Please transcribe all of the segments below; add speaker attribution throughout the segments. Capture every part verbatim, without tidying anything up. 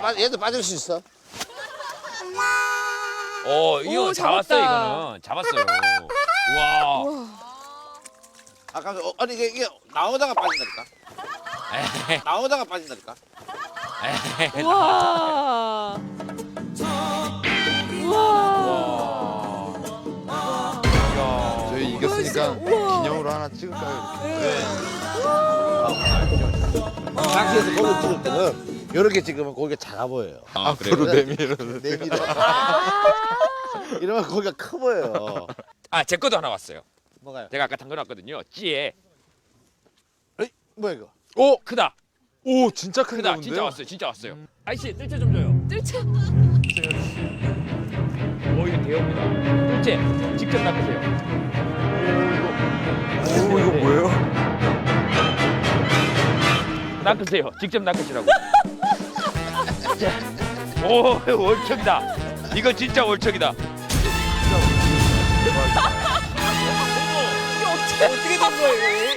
Speaker 1: 빠, 얘도 빠질 수 있어.
Speaker 2: 어, 이거
Speaker 3: 오,
Speaker 2: 잡았어요,
Speaker 3: 잡았다.
Speaker 2: 이거는. 잡았어요. 우와.
Speaker 1: 아까 어, 아니 이게, 이게 나오다가 빠진다니까.
Speaker 2: 에이,
Speaker 1: 나오다가 빠진다니까.
Speaker 2: 에이.
Speaker 3: 우와. 우와.
Speaker 2: 이야.
Speaker 4: 저희 이겼으니까
Speaker 3: 우와.
Speaker 4: 기념으로 하나 찍을까요?
Speaker 1: 낚시에서 고기 찍을 때는 이렇게 찍으면 고기가 작아 보여요.
Speaker 2: 아,
Speaker 4: 앞으로 내밀어서
Speaker 1: 내밀어. 이러면 고기가 커 보여요.
Speaker 2: 아, 제 것도 하나 왔어요.
Speaker 1: 뭐가요?
Speaker 2: 제가 아까 담궈놨거든요. 찌에.
Speaker 1: 에이, 뭐야 이거?
Speaker 4: 오!
Speaker 2: 크다.
Speaker 4: 오 진짜 큰데
Speaker 2: 크다.
Speaker 4: 근데요?
Speaker 2: 진짜 왔어요. 진짜 왔어요. 아이씨, 뜰채 좀 줘요.
Speaker 3: 뜰채.
Speaker 2: 오, 이거 대형입니다. 뜰채 직접 낚으세요.
Speaker 4: 오 이거 뭐예요?
Speaker 2: 낚으세요. 직접 낚으시라고. 자, 오, 월척이다. 이거 진짜 월척이다. 어떻게 된 거예요?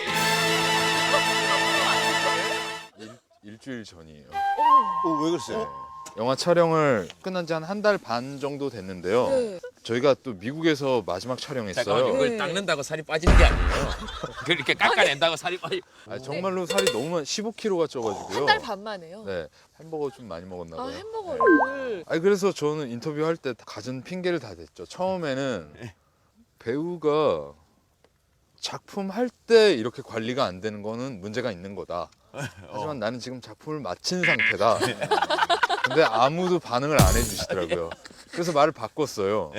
Speaker 4: 일주일 전이에요.
Speaker 1: 오, 왜 그랬어요?
Speaker 4: 영화 촬영을 끝난 지 한 한 달 반 정도 됐는데요.
Speaker 3: 네.
Speaker 4: 저희가 또 미국에서 마지막 촬영했어요.
Speaker 2: 잠깐만요.
Speaker 3: 네.
Speaker 2: 이걸 닦는다고 살이 빠지는 게 아니에요. 그렇게 깎아낸다고 살이 빠지.
Speaker 4: 아, 정말로 살이 너무 많이 십오 킬로그램가 쪄가지고요.
Speaker 3: 한 달 반 만에요.
Speaker 4: 네, 햄버거 좀 많이 먹었나
Speaker 3: 아
Speaker 4: 봐요.
Speaker 3: 햄버거를.
Speaker 4: 아니 그래서 저는 인터뷰할 때 가진 핑계를 다 댔죠. 처음에는 배우가 작품 할 때 이렇게 관리가 안 되는 거는 문제가 있는 거다. 하지만 나는 지금 작품을 마친 상태다. 근데 아무도 반응을 안 해주시더라고요. 그래서 말을 바꿨어요.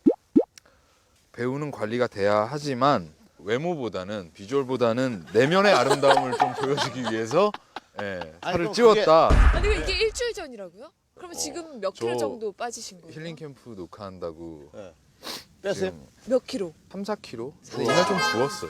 Speaker 4: 배우는 관리가 돼야 하지만 외모보다는 비주얼보다는 내면의 아름다움을 좀 보여주기 위해서 예,
Speaker 1: 아니,
Speaker 4: 살을
Speaker 1: 그럼
Speaker 4: 찌웠다.
Speaker 3: 아니 이게 일주일 전이라고요? 그러면 지금 몇 킬로
Speaker 4: 저
Speaker 3: 정도 빠지신 거예요?
Speaker 4: 힐링 캠프 녹화한다고
Speaker 1: 네. 뺐어요?
Speaker 4: 지금
Speaker 3: 몇 킬로?
Speaker 4: 삼, 사 킬로그램? 근데 이날 좀 부었어요.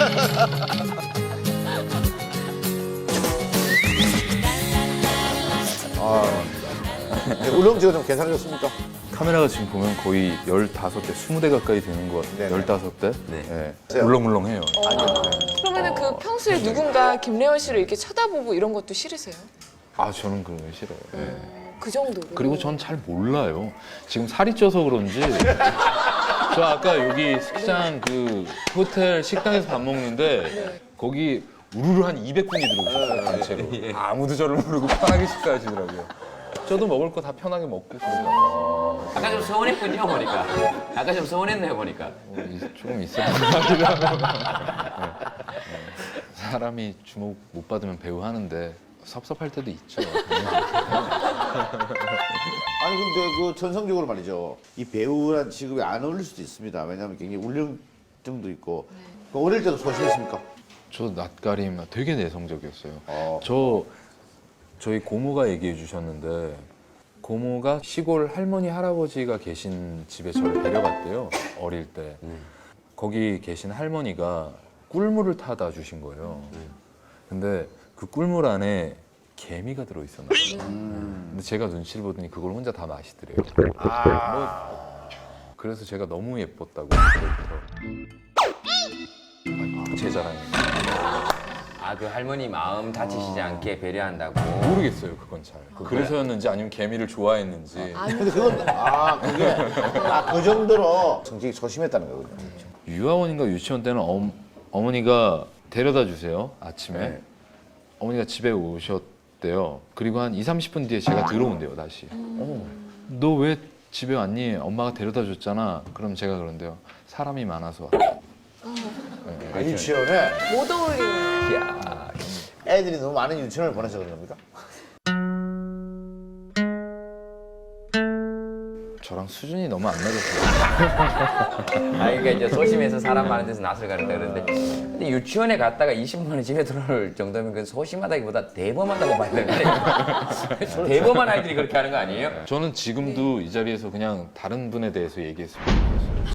Speaker 1: 네, 울렁지가 좀 괜찮아졌습니까?
Speaker 5: 카메라가 지금 보면 거의 열다섯 대, 스무 대 가까이 되는 것 같아요.
Speaker 1: 네네.
Speaker 5: 열다섯 대?
Speaker 2: 네.
Speaker 5: 네. 물렁물렁해요.
Speaker 3: 그러면은 그 평소에 누군가 김래원 씨를 이렇게 쳐다보고 이런 것도 싫으세요?
Speaker 5: 아, 저는 그런 거 싫어요. 네.
Speaker 3: 어, 그 정도로.
Speaker 5: 그리고 전 잘 몰라요. 지금 살이 쪄서 그런지. 저 아까 여기 식장 그 호텔 식당에서 밥 먹는데 거기 우르르 한 이백 분이 들어오셨어요, 단체로. 아무도 저를 모르고 편하게 식사하시더라고요. 저도 먹을 거 다 편하게 먹고 그래요.
Speaker 2: 아까 좀 서운했군요 보니까. 아까 좀 서운했네요 보니까.
Speaker 5: 어, 이- 조금 있었던 것 같기도 하고. 네. 네. 사람이 주목 못 받으면 배우 하는데 섭섭할 때도 있죠.
Speaker 1: 아니 근데 그 전성적으로 말이죠. 이 배우란 직업에 안 어울릴 수도 있습니다. 왜냐하면 굉장히 울렁증도 있고. 그 어릴 때도 소심했습니까?
Speaker 5: 저 낯가림 되게 내성적이었어요.
Speaker 1: 어.
Speaker 5: 저 저희 고모가 얘기해 주셨는데 고모가 시골 할머니 할아버지가 계신 집에 저를 데려갔대요. 어릴 때. 거기 계신 할머니가 꿀물을 타다 주신 거예요. 근데 그 꿀물 안에 개미가 들어 있었나 봐요. 근데 제가 눈치를 보더니 그걸 혼자 다 마시더래요. 뭐, 그래서 제가 너무 예뻤다고 그때부터. 제 자랑입니다.
Speaker 6: 아, 그 할머니 마음 다치시지 않게 배려한다고.
Speaker 5: 모르겠어요, 그건 잘. 그래서였는지 아니면 개미를 좋아했는지.
Speaker 1: 근데 그건 아 그게 아 그 정도로 성격이 소심했다는 거군요.
Speaker 5: 유아원인가 유치원 때는 어, 어머니가 데려다 주세요, 아침에.
Speaker 1: 네.
Speaker 5: 어머니가 집에 오셨대요. 그리고 한 이삼십 분 뒤에 제가 들어온대요, 다시. 어, 너 왜 집에 왔니? 엄마가 데려다 줬잖아. 그럼 제가 그런데요. 사람이 많아서 왔다.
Speaker 1: 아, 유치원에
Speaker 3: 못 어울리는.
Speaker 6: 야,
Speaker 1: 애들이 너무 많은 유치원을 보내서 그런 겁니까?
Speaker 5: 저랑 수준이 너무 안 맞았어요.
Speaker 6: 아, 그러니까 이제 소심해서 사람 많은 데서 낯을 가린다 그러는데, 근데 유치원에 갔다가 이십 분 집에 들어올 정도면 그 소심하다기보다 대범하다고 봐야 되는 거 아니에요? 대범한 아이들이 그렇게 하는 거 아니에요?
Speaker 5: 저는 지금도 이 자리에서 그냥 다른 분에 대해서 얘기했으면 좋겠어요.